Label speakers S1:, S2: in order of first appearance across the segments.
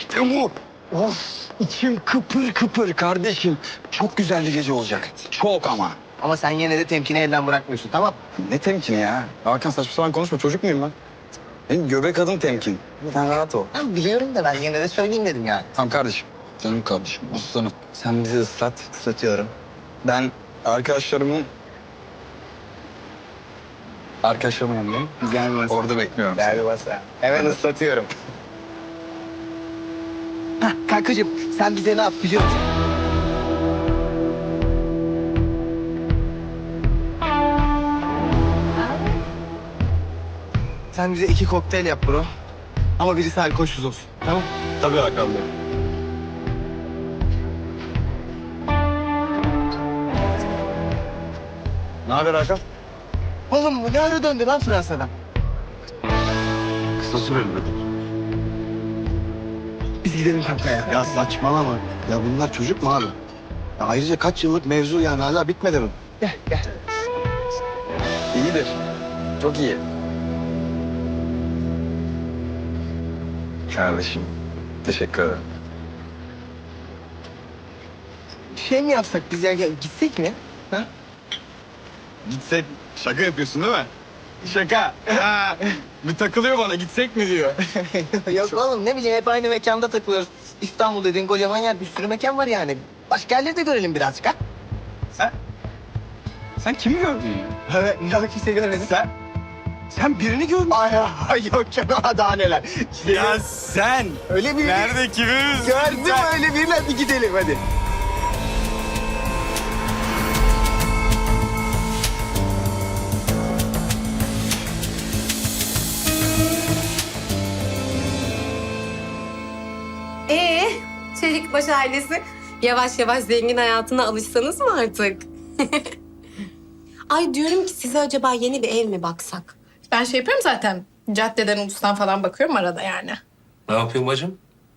S1: İşte bu. Of, içim kıpır kıpır kardeşim. Çok güzel bir gece olacak. Çok ama.
S2: Ama sen yine de temkini elden bırakmıyorsun, tamam?
S1: Ne temkini ya? Hakan saçma sapan konuşma. Çocuk muyum ben? Benim göbek adım temkin. Sen rahat ol.
S2: Ben biliyorum da ben yine de söyleyeyim dedim yani.
S1: Tamam kardeşim. Canım kardeşim. Aslanım. Sen bizi ıslat.
S2: Islatıyorum.
S1: Ben arkadaşlarımın yanındayım.
S2: Güzel bir masa.
S1: Orada bekliyorum.
S2: Güzel bir masa. Hemen ıslatıyorum. Hah, kankacığım sen bize ne yap biliyor musun? Sen bize 2 kokteyl yap bro. Ama birisi alkolsüz olsun. Tamam?
S1: Tabii Hakan Bey. Ne haber Hakan?
S2: Oğlum bu ne ara döndü lan Fransa'dan?
S1: Kısa süreli.
S2: Biz gidelim kanka ya.
S3: Ya saçmalama. Ya bunlar çocuk mu abi? Ya ayrıca kaç yıllık mevzu yani hala bitmedi mi?
S2: Gel gel.
S1: İyidir. Çok iyi. Kardeşim. Teşekkür ederim.
S2: Şey mi yapsak biz ya gitsek mi? Ha?
S1: Gitsek. Şaka yapıyorsun değil mi? Şaka. Ha, bir takılıyor bana. Gitsek mi diyor.
S2: Yok oğlum ne bileyim hep aynı mekanda takılıyoruz. İstanbul dediğin kocaman yer bir sürü mekan var yani. Başka yerleri de görelim birazcık ha.
S1: Sen kimi gördün ya?
S2: Evet, yok kimse görmedi.
S1: Sen birini gördün.
S2: Ay yok canım daha neler.
S1: Ya sen.
S2: Öyle bir
S1: Nerede kimiz?
S2: gördüm öyle birini hadi gidelim hadi.
S4: Çelikbaş ailesi yavaş yavaş zengin hayatına alışsanız mı artık? Ay diyorum ki size acaba yeni bir ev mi baksak?
S5: Ben şey yapıyorum zaten. Caddeden, ulustan falan bakıyorum arada yani.
S6: Ne yapıyorsun bacım?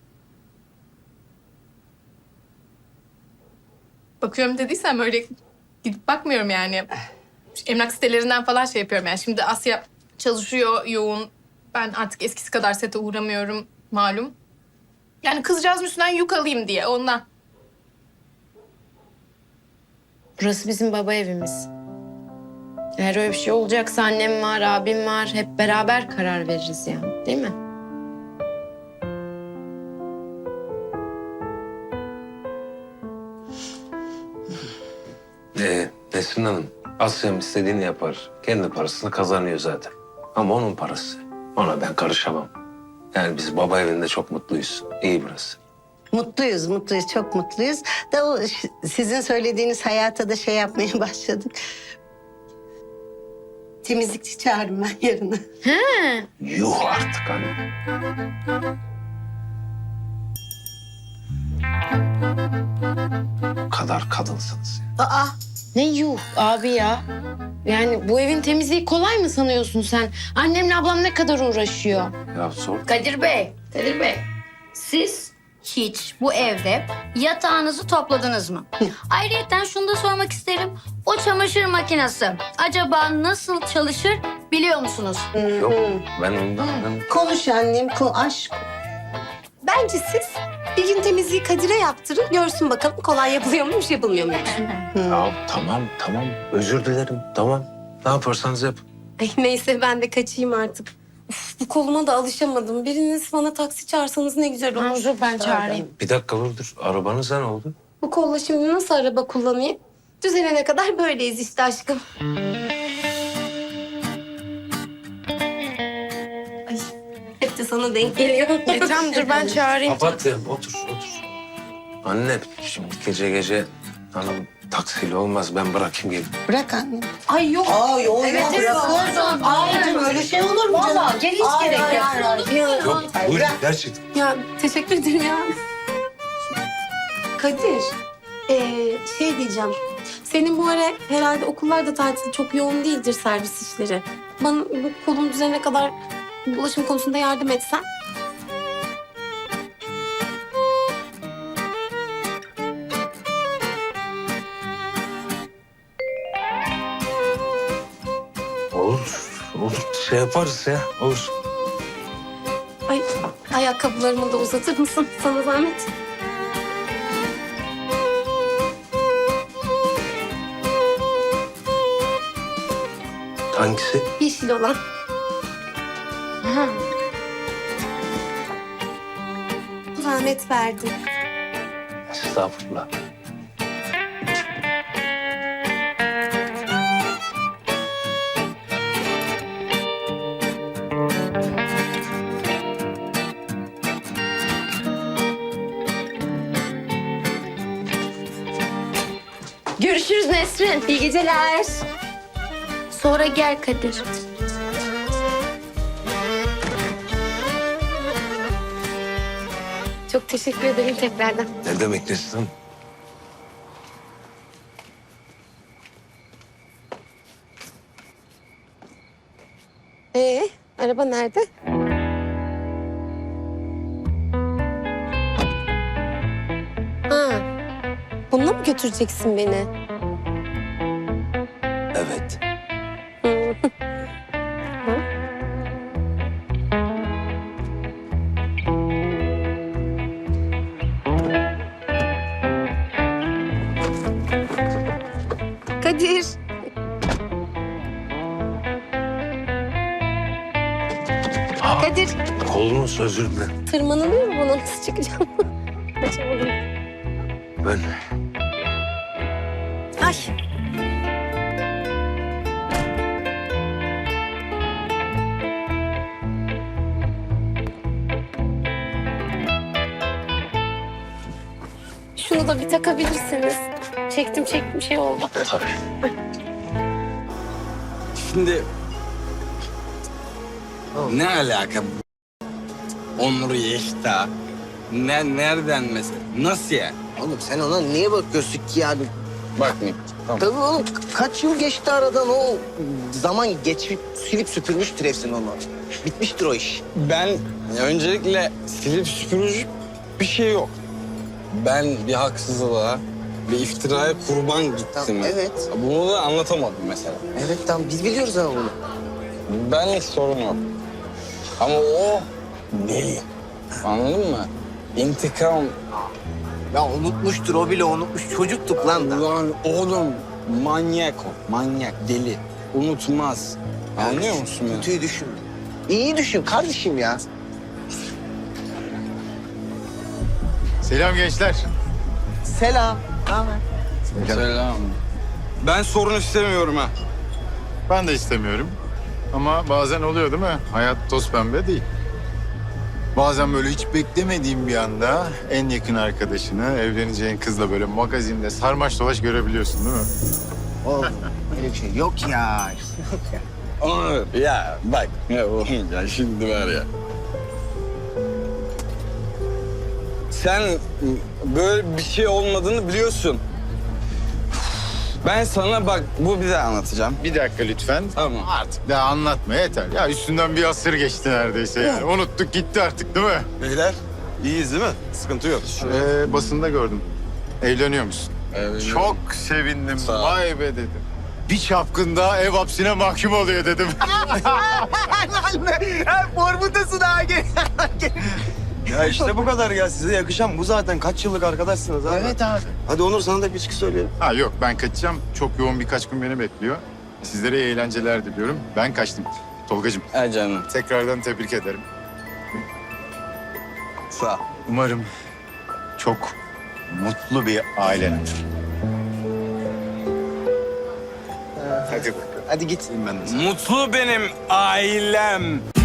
S5: Bakıyorum dediysem öyle gidip bakmıyorum yani. Emlak sitelerinden falan şey yapıyorum yani. Şimdi Asya çalışıyor yoğun. Ben artık eskisi kadar sete uğramıyorum malum. Yani kızcağızın üstünden yük alayım diye ondan.
S4: Burası bizim baba evimiz. Eğer öyle bir şey olacaksa annem var, abim var. Hep beraber karar veririz yani, değil mi?
S6: Nesrin Hanım, Asya'm istediğini yapar. Kendi parasını kazanıyor zaten. Ama onun parası. Ona ben karışamam. Yani biz baba evinde çok mutluyuz. İyi burası.
S7: Mutluyuz, mutluyuz, çok mutluyuz. Da o sizin söylediğiniz hayata da şey yapmaya başladık. Temizlikçi çağırırım ben yarına.
S6: Yuh artık hani. Bu kadar kadınsınız ya.
S4: Aa, ne yuh abi ya. Yani bu evin temizliği kolay mı sanıyorsun sen? Annemle ablam ne kadar uğraşıyor.
S6: Ya sor.
S8: Kadir Bey, siz hiç bu evde yatağınızı topladınız mı? Ayrıyeten şunu da sormak isterim. O çamaşır makinesi acaba nasıl çalışır biliyor musunuz?
S6: Yok ben ondan...
S7: Konuş annem, aşk.
S4: Bence siz bir gün temizliği Kadir'e yaptırın. Görsün bakalım kolay yapılıyor muymuş, yapılmıyor muymuş.
S6: Ya tamam. Özür dilerim. Tamam. Ne yaparsanız yapın.
S4: Ay, neyse ben de kaçayım artık. Uf, bu koluma da alışamadım. Biriniz bana taksi çağırsanız ne güzel olur.
S5: Dur ben çağırayım.
S6: Bir dakika dur. Arabanıza ne oldu?
S4: Bu kolla şimdi nasıl araba kullanayım? Düzelene kadar böyleyiz işte aşkım. Ay, hep de sana denk geliyor.
S5: Tamam dur ben çağırayım.
S6: Papatya otur. Anne şimdi gece hanım taksiyle olmaz. Ben bırakayım gelin.
S7: Bırak annem.
S4: Ay yok.
S7: Ay o
S4: Evet,
S7: ya
S4: evet,
S7: bırakırsın. Ay öyle şey olur mu canım?
S4: Vallahi gel hiç gerek yok.
S6: Yok buyurun gerçekten.
S4: Ya teşekkür ederim ya. Kadir, şey diyeceğim. Senin bu ara herhalde okullarda tatil çok yoğun değildir servis işleri. Bana bu kolum düzenine kadar ulaşım konusunda yardım etsen.
S6: Olur şey yaparız ya olur.
S4: Ay, ayakkabılarımı da uzatır mısın? Sana zahmet.
S6: Hangisi?
S4: Yeşil olan. Zahmet verdim.
S6: Estağfurullah.
S8: Görüşürüz Nesrin. İyi geceler. Sonra gel Kadir.
S4: Çok teşekkür ederim tekrardan.
S6: Ne demek Nesrin?
S4: Araba nerede? Ha, bununla mı götüreceksin beni?
S6: Evet.
S4: Kadir. Kadir,
S6: Kolunuz özür dilerim.
S4: tırmanılıyor mu buna? Nasıl çıkacağım? Açamadım.
S6: Ben
S4: Ay. Şunu da bir takabilirsiniz. Çektim şey oldu.
S6: tabii.
S1: Şimdi ne alaka bu? Onur Yeşta. Nereden mesela? Nasıl yani?
S2: Oğlum sen ona niye bakıyorsun ki yani?
S1: Bakmayayım. Tamam.
S2: Tabii oğlum kaç yıl geçti aradan o zaman geçip silip süpürmüştür hepsini onu. Bitmiştir o iş.
S1: Ben öncelikle silip süpürücü bir şey yok. Ben bir haksızlığa, bir iftiraya kurban gittim.
S2: Tamam, evet.
S1: Bunu da anlatamadım mesela.
S2: Evet tamam biz biliyoruz ama bunu.
S1: Benlik sorun yok. Ama o deli. Anladın mı? İntikam.
S2: Ya unutmuştur o bile unutmuş. Çocuktuk lan da.
S1: Lan oğlum manyak o. Manyak, deli. Unutmaz. Anlıyor musun beni?
S2: Kötüyü düşün. İyi düşün kardeşim ya.
S9: Selam gençler.
S2: Selam. Ne haber?
S1: Selam. Ben sorun istemiyorum ha.
S9: Ben de istemiyorum. Ama bazen oluyor değil mi? Hayat toz pembe değil. Bazen böyle hiç beklemediğin bir anda en yakın arkadaşını, evleneceğin kızla böyle magazinde sarmaş dolaş görebiliyorsun değil mi?
S2: Oğlum öyle bir şey yok ya. Yok ya.
S1: Onur ya bak ya oğlum ya şimdi var ya. Sen böyle bir şey olmadığını biliyorsun. Ben sana bak bu bir daha anlatacağım.
S9: Bir dakika lütfen.
S1: Tamam.
S9: Artık daha anlatma yeter. Ya üstünden bir asır geçti neredeyse yani. Unuttuk gitti artık değil mi?
S3: Beyler iyiyiz değil mi? Sıkıntı yok.
S9: Basında gördüm. Evleniyor musun? Çok sevindim.
S1: Sağ ol.
S9: Vay be dedim. Bir çapkında ev hapsine mahkum oluyor dedim.
S2: Formutasın ha gel.
S3: Ya işte bu kadar ya. Size yakışan bu zaten. Kaç yıllık arkadaşsınız abi.
S2: Evet abi.
S3: Hadi Onur sana da bir içki söyleyelim.
S9: Ha yok ben kaçacağım. Çok yoğun birkaç gün beni bekliyor. Sizlere iyi eğlenceler diliyorum. Ben kaçtım. Tolgacığım
S1: Ha canım.
S9: tekrardan tebrik ederim.
S3: Sağ ol.
S9: Umarım çok mutlu bir ailen olur.
S3: Hadi bakalım.
S2: Hadi git.
S3: Ben de.
S1: Mutlu benim ailem.